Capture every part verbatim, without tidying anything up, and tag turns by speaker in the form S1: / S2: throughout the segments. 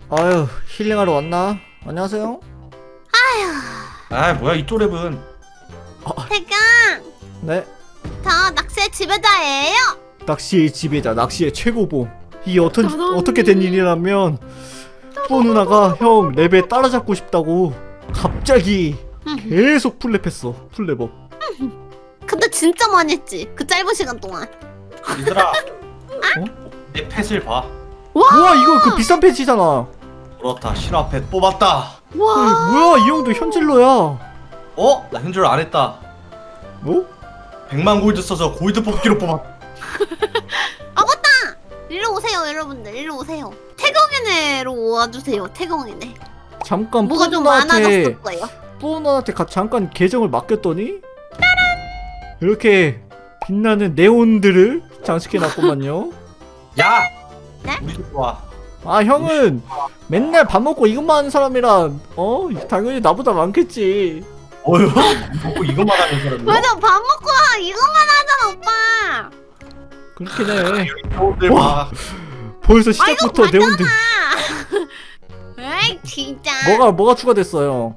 S1: 아유, 힐링하러 왔나? 안녕하세요.
S2: 아 뭐야 이 또랩은.
S3: 태경,
S1: 네,
S3: 저 낚시의 지배자예요.
S1: 낚시의 지배자, 낚시의 최고봉. 이게 어떤, 어떻게 된 일이라면 뿌 누나가 형 랩에 따라잡고 싶다고 갑자기 계속 풀랩했어. 풀랩업.
S3: 근데 진짜 많이 했지. 그 짧은 시간 동안.
S2: 얘들아 내 펫을 봐.
S1: 우와, 이거 그 비싼 패치잖아.
S2: 그렇다, 신화 펫 뽑았다.
S1: 어이,
S3: 와.
S1: 뭐야, 이 형도 현질러야.
S2: 어? 나 현질 안 했다.
S1: 뭐?
S2: 백만 골드 써서 골드 뽑기로 뽑았.
S3: 아 맞다. 일로 오세요, 여러분들. 일로 오세요. 태경이네로 와주세요. 태경이네.
S1: 잠깐
S3: 뭐가
S1: 뿌
S3: 좀
S1: 누나한테
S3: 많아졌을 거예요.
S1: 뿌 누나한테 가, 잠깐 계정을 맡겼더니 이렇게 빛나는 네온들을 장식해놨구만요.
S2: 야!
S3: 네?
S2: 우리 집 와.
S1: 아, 형은 맨날 밥 먹고 이것만 하는 사람이라 어 당연히 나보다 많겠지.
S2: 어휴? 먹고 이것만 하는 사람이야?
S3: 맞아, 밥 먹고 와. 이것만 하잖아, 오빠.
S1: 그렇긴 해.
S2: 형들 봐.
S1: 벌써 시작부터
S3: 아이고,
S1: 네온들.
S3: 에이, 진짜.
S1: 뭐가 뭐가 추가됐어요?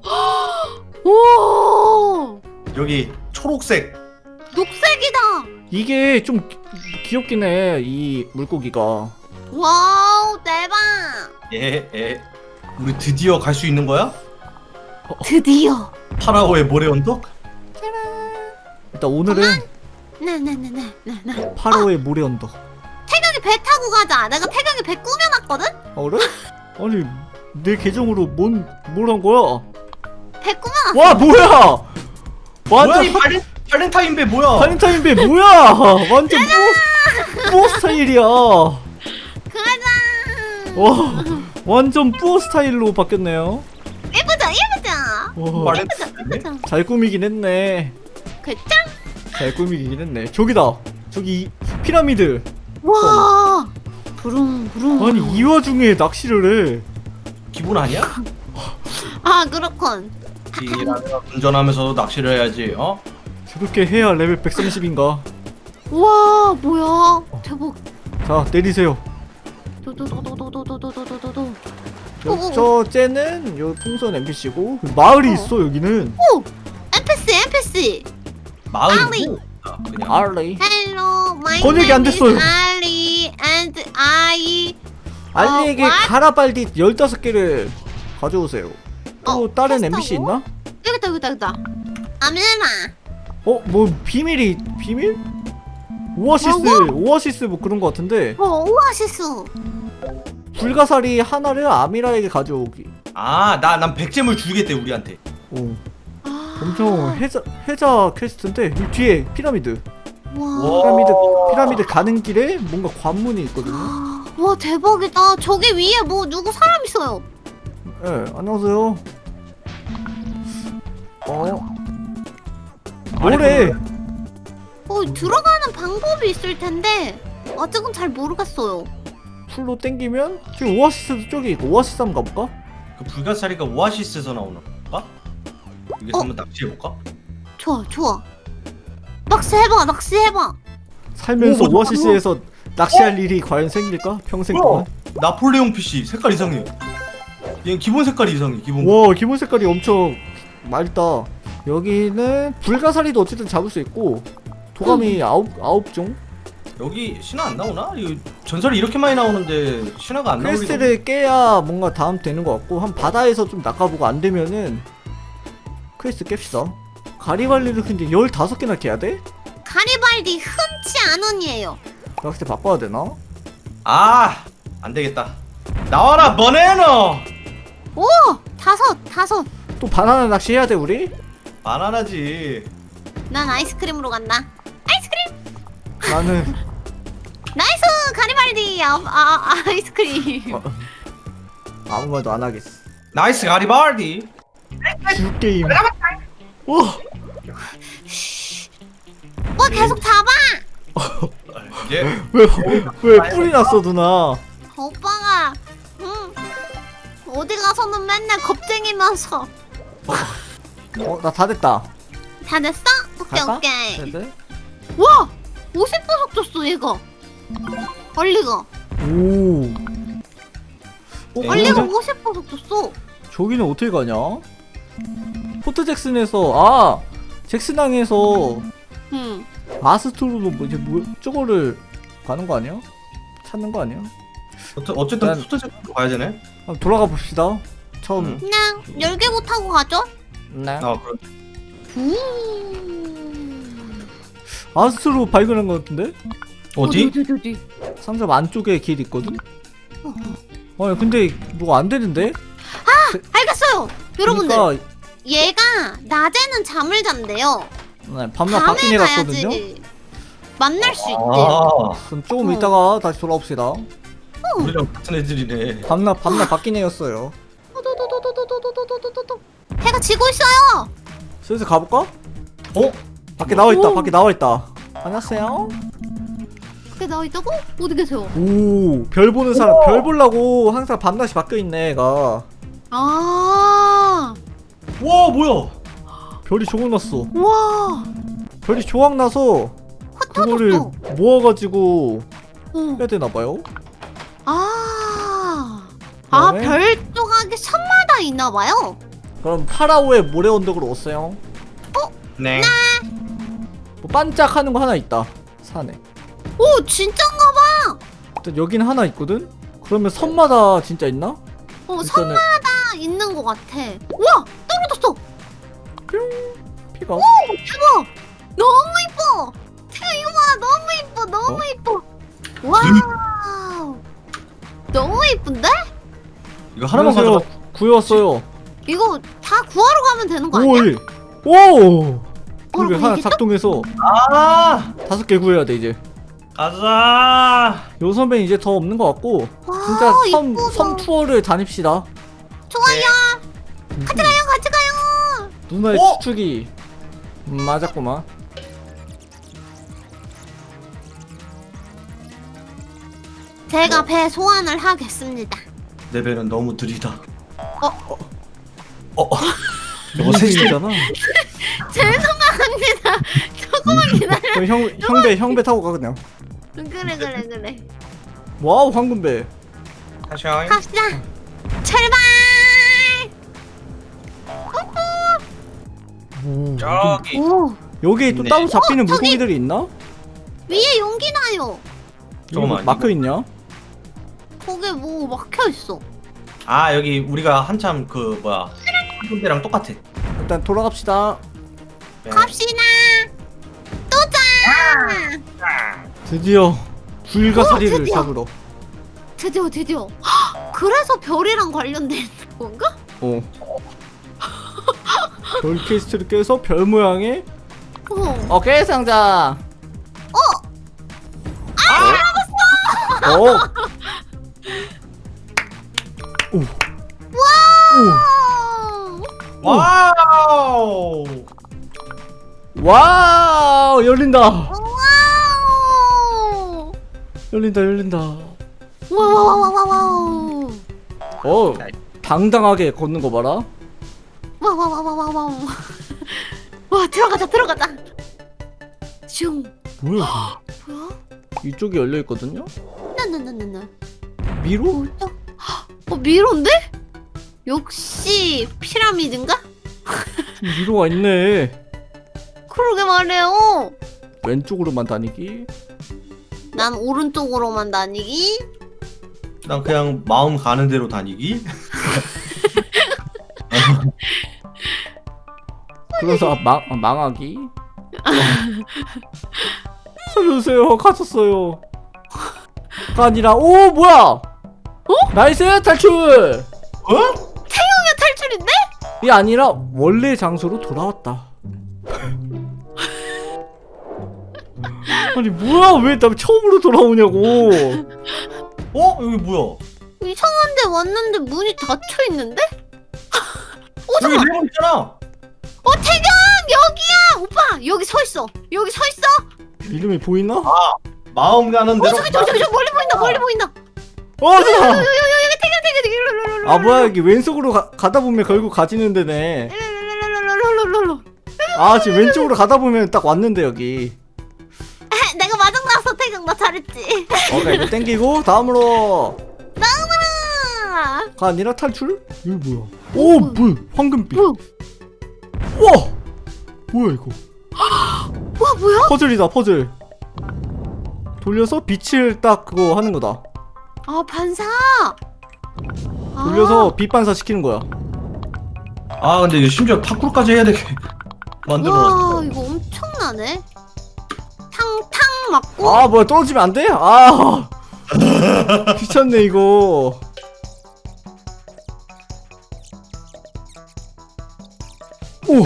S3: 오,
S2: 여기 초록색.
S3: 녹색이다.
S1: 이게 좀 기- 귀엽긴 해, 이 물고기가.
S3: 와우, 대박.
S2: 예, 예. 우리 드디어 갈 수 있는 거야?
S3: 드디어.
S2: 파라오의 모래 언덕?
S1: 일단 오늘은
S3: 네네네네네.
S1: 파로의 모래 언덕.
S3: 태경이 배 타고 가자. 내가 태경이 배 꾸며놨거든?
S1: 아, 그래? 아니, 내 계정으로 뭔 뭘 한 거야?
S3: 배 꾸며놨어.
S1: 와, 뭐야?
S2: 뭐야
S1: 완전
S2: 이 발렌, 발렌타인배 뭐야?
S1: 발렌타인배 뭐야? 완전 뿌어 뿌어 스타일이야.
S3: 가자.
S1: 와, 완전 뿌어 스타일로 바뀌었네요.
S3: 예쁘다, 예쁘다.
S1: 와,
S2: 발렌타인배?
S3: 예쁘다.
S1: 잘 꾸미긴 했네.
S3: 그짱.
S1: 잘 꾸미긴 했네. 저기다. 저기 피라미드.
S3: 와. 부릉 부릉.
S1: 아니, 이 와중에 낚시를 해.
S2: 기본 아니야?
S3: 아, 그렇군.
S2: 이라면 운전하면서도 낚시를 해야지. 어?
S1: 저렇게 해야 레벨 백삼십인가?
S3: 와, 뭐야? 대박.
S1: 자, 내리세요.
S3: 도도도도도도도도도도도.
S1: 여, 저 쟤는 요 풍선 엔피씨고 마을이
S3: 어.
S1: 있어 여기는.
S3: 오, 엔피씨, 엔피씨.
S2: 마을이 그냥.
S1: 알리.
S3: Hello, my
S1: 번역이
S3: name
S1: 안 됐어요.
S3: is Ali, and I.
S1: 알리에게
S3: 어, what?
S1: 가라발디 열다섯 개를 가져오세요. 또
S3: 어,
S1: 다른
S3: 테스트하고?
S1: 엔피씨 있나?
S3: 여기다, 여기다, 여기다. 아밀라.
S1: 어? 뭐 비밀이 비밀? 오아시스 오아시스 뭐 그런 거 같은데.
S3: 어, 오아시스.
S1: 불가사리 하나를 아미라에게 가져오기.
S2: 아, 나 난 백잼을 주겠대 우리한테.
S1: 오,
S3: 아,
S1: 엄청 해자 해자 퀘스트인데 이 뒤에 피라미드.
S3: 와.
S2: 와.
S1: 피라미드 피라미드 가는 길에 뭔가 관문이 있거든요.
S3: 와, 대박이다. 저기 위에 뭐 누구 사람 있어요.
S1: 예, 네, 안녕하세요. 어? 뭐래?
S3: 어, 들어가는 방법이 있을 텐데 아직은 잘 모르겠어요.
S1: 풀로 땡기면 지금 오아시스도 저기 있고 오아시스 한번 가볼까?
S2: 그 불가사리가 오아시스에서 나오는 건가? 여기서
S3: 어?
S2: 한번 낚시해볼까?
S3: 좋아, 좋아. 낚시해봐, 낚시해봐.
S1: 살면서
S2: 오, 뭐야,
S1: 오아시스에서 낚시할 일이 과연 생길까? 평생 동안?
S2: 나폴레옹 피씨 색깔 이상해. 얘 기본 색깔이 이상해. 기본.
S1: 와, 기본 색깔이 엄청 맑다. 여기는 불가사리도 어쨌든 잡을 수 있고 도감이 아홉 아홉 종.
S2: 여기 신화 안 나오나? 이거 전설이 이렇게 많이 나오는데 신화가 안 나오는.
S1: 퀘스트를 깨야 뭔가 다음 되는 것 같고 한 바다에서 좀 낚아보고 안 되면은 퀘스트 깹시다. 가리발리를 근데 열다섯 개나 깨야 돼?
S3: 가리발디 흔치 않은 이에요.
S1: 낚싯대 바꿔야 되나?
S2: 아, 안 되겠다. 나와라 버네너.
S3: 오, 다섯, 다섯.
S1: 또 바나나 낚시 해야 돼 우리?
S2: 바나나지.
S3: 난 아이스크림으로 간다. 아이스크림.
S1: 나는
S3: 나이스 가리발디. 아, 아 아이스크림.
S1: 어, 아무 말도 안 하겠어.
S2: 나이스 가리발디.
S1: 주 게임. 와,
S3: 뭐 계속 잡아.
S2: 이제
S1: 왜왜 뿔이 났어 누나?
S3: 오빠가 응 어디 가서는 맨날 겁쟁이면서.
S1: 어, 나 다 됐다.
S3: 다 됐어? 오케이
S1: 갈까?
S3: 오케이.
S1: 네네.
S3: 와, 오십 보석 줬어 얘가. 얼리가.
S1: 오. 어,
S3: 빨리
S1: 근데
S3: 가고 싶어서 줬어.
S1: 저기는 어떻게 가냐? 포트 잭슨에서 아 잭슨항에서
S3: 응.
S1: 아스트로로 뭐 이제 뭐 저거를 가는 거 아니야? 찾는 거 아니야?
S2: 어째- 어쨌든
S1: 난-
S2: 포토제로 가야 되네.
S1: 한번 돌아가 봅시다. 처음.
S2: 응.
S3: 그냥 열개고 타고 가죠.
S1: 네.
S2: 아 그래.
S3: 음.
S1: 아스트로 발견한 거 같은데?
S2: 어디?
S3: 어디 어디 어디.
S1: 상점 안쪽에 길 있거든?
S3: 어.
S1: 아니 근데 뭐가 안 되는데?
S3: 알겠어요. 여러분들
S1: 그러니까
S3: 얘가 낮에는 잠을 잔대요.
S1: 네, 밤낮
S3: 밤에
S1: 바뀌네 갔거든요?
S3: 가야지 만날 수 있대요.
S2: 아
S1: 그럼 조금
S3: 어.
S1: 이따가 다시 돌아옵시다.
S2: 우리랑 같은 애들이네.
S1: 밤낮 밤낮 바뀐 애였어요.
S3: 도도도도도도도도도도도도. 해가 지고 있어요.
S1: 슬슬 가볼까?
S2: 어?
S1: 밖에 나와 있다.
S3: 오.
S1: 밖에 나와 있다. 안녕하세요.
S3: 그게 나와 있다고? 어디 계세요?
S1: 오, 별 보는 사람. 별 보려고 항상 밤낮이 바뀌어 있네, 애가.
S3: 아,
S2: 와 뭐야?
S1: 별이 조각났어.
S3: 와,
S1: 별이 조각나서 그거를
S3: 흩어졌어.
S1: 모아가지고
S3: 어.
S1: 해야 되나봐요.
S3: 아, 아,
S1: 그다음에?
S3: 별 조각이 섬마다 있나 봐요.
S1: 그럼 파라오의 모래 언덕으로 왔어요.
S2: 네.
S1: 뭐 반짝하는 거 하나 있다. 산에.
S3: 오, 진짠가 봐.
S1: 일단 여기는 하나 있거든? 그러면 섬마다 진짜 있나?
S3: 어,
S1: 일단은
S3: 섬마다 있는 것 같아. 우와, 떨어졌어.
S1: 피가.
S3: 대박. 너무 이뻐. 태가 이거 봐, 너무 이뻐, 너무
S1: 어?
S3: 이뻐. 와우, 너무 이쁜데?
S2: 이거 하나만
S1: 안녕하세요.
S2: 가져가.
S1: 구해왔어요.
S3: 이거 다 구하러 가면 되는 거
S1: 오,
S3: 아니야?
S1: 예. 오!
S3: 뭐라고
S1: 그게 하나
S3: 얘기했죠?
S1: 작동해서
S2: 아
S1: 다섯 개 구해야 돼 이제.
S2: 가자.
S1: 요 선배는 이제 더 없는 것 같고
S3: 와,
S1: 진짜 섬,
S3: 이쁘다.
S1: 섬 투어를 다닙시다.
S3: 좋아요.
S1: 음,
S3: 같이 가요, 같이 가요.
S1: 누나의
S2: 어?
S1: 추측이 음, 맞았구만.
S3: 제가 배 소환을 하겠습니다.
S2: 내 배는 너무 느리다.
S3: 어?
S2: 어? 어? 저거
S1: 무슨
S2: 셋이
S1: 일이잖아.
S3: 죄송합니다. 조금만 기다려.
S1: 그럼 형 형배 형배 타고 가 그냥.
S3: 그래, 그래, 그래.
S1: 와우 황금배.
S2: 다시.
S3: 갑시다. 출발.
S1: 오,
S2: 저기.
S3: 오,
S1: 여기 또
S2: 네.
S1: 따로 잡히는
S3: 어, 저기!
S1: 물고기들이 있나?
S3: 위에 용기 나요.
S2: 잠깐만,
S1: 막혀 있냐?
S3: 거기 뭐 막혀 있어.
S2: 아 여기 우리가 한참 그 뭐야 한군데랑 똑같아.
S1: 일단 돌아갑시다.
S2: 네.
S3: 갑시다. 도전.
S1: 드디어 불가사리를
S3: 오, 드디어.
S1: 잡으러.
S3: 드디어, 드디어. 헉, 그래서 별이랑 관련된 건가?
S1: 어. 별 퀘스트를 깨서 별 모양의
S3: 어.
S1: 어깨 상자. 어. 아! 어. 오. 오.
S3: 와.
S2: 와우.
S1: 와우 열린다.
S3: 와우.
S1: 열린다 열린다.
S3: 와와와와와와우.
S1: 어 당당하게 걷는 거 봐라.
S3: 와와와와와와우. 와 들어가자 들어가자. 슝.
S1: 뭐야?
S3: 뭐야?
S1: 이쪽이 열려 있거든요.
S3: 나나나나나.
S1: 미로?
S3: 뭐야? 어 미로인데? 역시 피라미드인가?
S1: 미로가 있네.
S3: 그러게 말해요.
S1: 왼쪽으로만 다니기.
S3: 난 오른쪽으로만 다니기.
S2: 난 그냥 마음 가는 대로 다니기.
S1: 그래서 망 망하기. 살려주세요. 갇혔어요. 가 아니라 오 뭐야? 어? 나이스 탈출.
S2: 어?
S3: 태용의 탈출인데?
S1: 이 아니라 원래 장소로 돌아왔다. 아니 뭐야 왜 나 처음으로 돌아오냐고.
S2: 어? 여기 뭐야?
S3: 이상한데 왔는데 문이 닫혀 있는데? 어
S2: 여기
S3: 잠깐.
S2: 레몬 있잖아.
S3: 어 태경 여기야. 오빠 여기 서 있어. 여기 서 있어.
S1: 이름이 보이나?
S2: 마음 가는
S3: 어
S2: 대로.
S3: 저기 저기 저기 저기 멀리 보인다. 멀리 보인다.
S1: 어
S3: 여기
S1: 잠깐.
S3: 여기 여기 태경 태경 태경 일로 일로 일로.
S1: 아 뭐야 여기 왼쪽으로 가, 가다 보면 결국 가지는 데네.
S3: 일로.
S1: 아 지금 왼쪽으로 가다 보면 딱 왔는데 여기.
S3: 내가 마중 나왔어 태경 나 잘했지.
S1: 오케이 이거 땡기고 다음으로.
S3: 나무라.
S1: 아니라 탈출? 이거 뭐야? 오,
S3: 뭐야?
S1: 뭐야? 황금빛.
S3: 뭐야?
S1: 와, 뭐야 이거?
S3: 와 뭐야?
S1: 퍼즐이다, 퍼즐. 돌려서 빛을 딱 그거 하는 거다.
S3: 아 반사.
S1: 돌려서 빛 반사 시키는 거야.
S2: 아 근데 이거 심지어 파쿠르까지 해야 되게 만들어놨어.
S3: 와 이거 엄청나네. 탕탕 맞고.
S1: 아, 뭐야, 떨어지면 안 돼? 아, 귀찮네 이거. 오,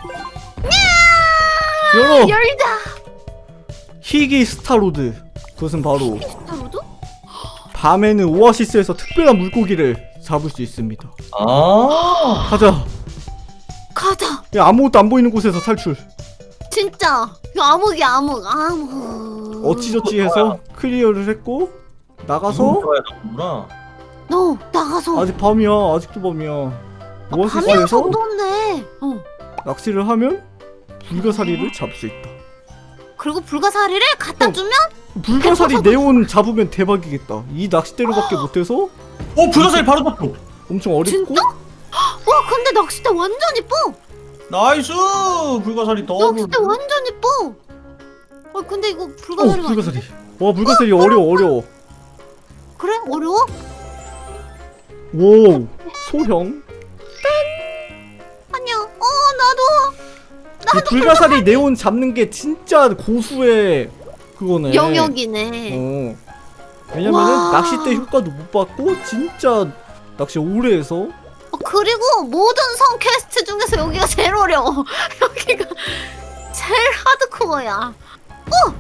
S1: 열어.
S3: 열다.
S1: 희귀 스타로드. 그것은 바로
S3: 스타로드?
S1: 밤에는 오아시스에서 특별한 물고기를 잡을 수 있습니다.
S2: 아
S1: 가자.
S3: 가자.
S1: 야, 아무것도 안 보이는 곳에서 탈출.
S3: 진짜. 이거 암흑이 암흑 암흑.
S1: 어찌저찌 해서 클리어를 했고 나가서
S2: 들어야 되는구나.
S3: 너 나가서.
S1: 아직 밤이야. 아직도 밤이야.
S3: 밤이랑
S1: 오아시스에서
S3: 정도네. 어.
S1: 낚시를 하면 불가사리를 잡을 수 있다.
S3: 그리고 불가사리를 갖다
S1: 어.
S3: 주면
S1: 불가사리 네온 잡으면 대박이겠다. 이 낚싯대로밖에 못해서
S2: 어 불가사리 바로 잡고.
S1: 엄청 어렵고.
S3: 진짜? 와 근데 낚싯대 완전 이뻐.
S2: 나이스 불가사리 더블.
S3: 낚싯대 완전 이뻐. 어 근데 이거
S1: 오,
S3: 불가사리가
S1: 불가사리.
S3: 아닌데?
S1: 와, 불가사리 어려워, 어려워.
S3: 그래? 어려워?
S1: 오, 소형.
S3: 아니야. 어 나도
S1: 이 불가사리 네온 잡는 게 진짜 고수의 그거네.
S3: 영역이네.
S1: 어. 왜냐면은
S3: 와.
S1: 낚싯대 효과도 못 받고 진짜 낚시 오래 해서.
S3: 어, 그리고 모든 성 퀘스트 중에서 여기가 제일 어려워. 여기가 제일 하드코어야. 어!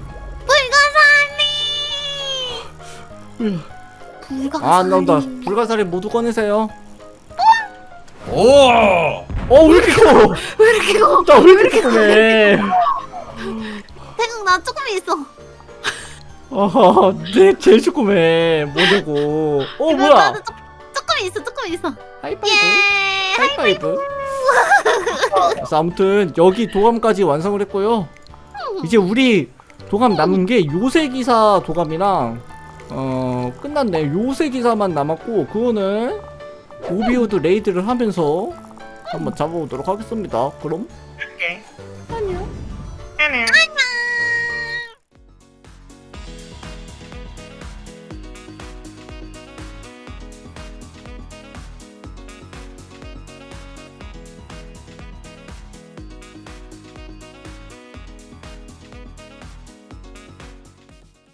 S3: 불가사리! 불가사리.
S1: 아, 안 나온다. 불가사리 모두 꺼내세요.
S2: 오.
S1: 어, 왜 이렇게 커?
S3: 왜 이렇게 이거?
S1: 나 왜 이렇게 크네?
S3: 태국 나 조금 있어.
S1: 아, 내 제일 조그매. 뭐냐고. 어, 뭐야?
S3: 나도 조, 조금 있어, 조금 있어.
S1: 하이파이브.
S3: 예!
S1: 하이파이브. 그래서 아무튼 여기 도감까지 완성을 했고요. 이제 우리 도감 남은 게 요새기사 도감이랑 어 끝났네. 요새기사만 남았고 그거는 오비오드 레이드를 하면서 한번 잡아보도록 하겠습니다. 그럼